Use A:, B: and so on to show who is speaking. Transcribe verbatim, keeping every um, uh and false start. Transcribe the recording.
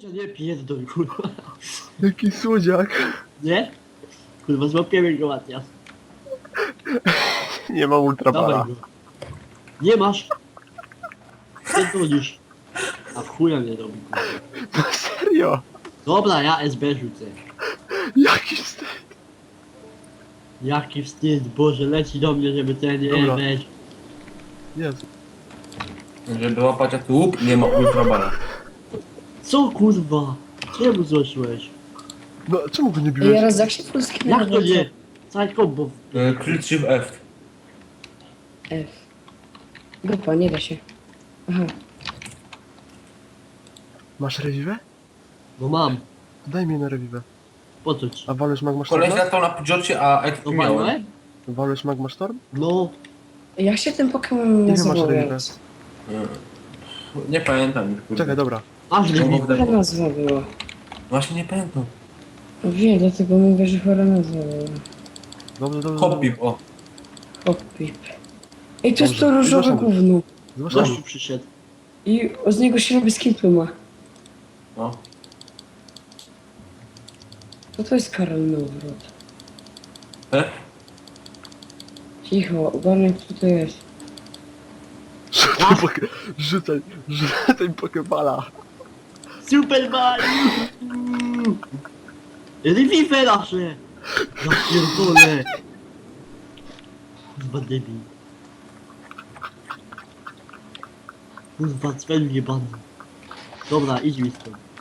A: Nie pierdol, kurwa.
B: Jaki słodziak.
A: Nie? Kurwa, złapiemy go ładnie.
B: Nie mam ultrabala.
A: Dawaj go. Nie masz. Pierdolisz. A w chuja mnie robi, kurwa.
B: No serio.
A: Dobra, ja S B rzucę.
B: Jaki wstyd.
A: Jaki wstyd, Boże, leci do mnie, żeby ten nie
B: Dobra.
A: weź.
B: Jezu.
C: Żeby łapać jak łup, nie ma ultrabala.
A: Co kurwa? Czemu złożyłeś?
B: No czemu go nie
D: Ej,
B: biłeś?
D: raz jak się polski
A: Jak to nie? Całe kombo.
C: E, Klik Shift F.
D: F. Grupa, nie da się. Aha.
B: Masz rewiwę?
A: No mam.
B: Daj mi na rewiwę.
A: Po co ci?
B: A walesz Magma
C: Koleś
B: Storm?
C: latał na Pidgeocie, a
A: No
C: ekspy miałem.
A: walnąłem?
B: Walesz Magma Storm?
A: No.
D: Jak się ten Pokémon
B: Ile masz
D: nazywał?
B: rewiwę?
D: Jens?
C: Mm. Nie pamiętam już. kurde.
B: Czekaj, dobra.
A: Aż
C: No,
A: nie
C: bo
D: Chora nazwa była.
C: Właśnie nie pamiętam.
D: Wiem, dlatego mówię, że chora nazwa była.
B: Dobrze, dobrze.
C: Hoppip, o.
D: Hopip. Ej, to jest
B: Dobrze.
D: to różowe
B: Zgłaszamy.
D: gówno.
B: Zgłaszamy.
A: Gościu przyszedł.
D: I z niego się robi skin pluma.
C: No.
D: Co to jest karalny odwrót?
C: E?
D: Cicho, ogarnij co to jest.
B: Rzucaj, poke... rzucaj, rzucaj pokebala.
A: Super Mario! Revive nasze! Ja pierdolę! Kurwa debil. Kurwa cwel jebany. Dobra, idź mi stąd.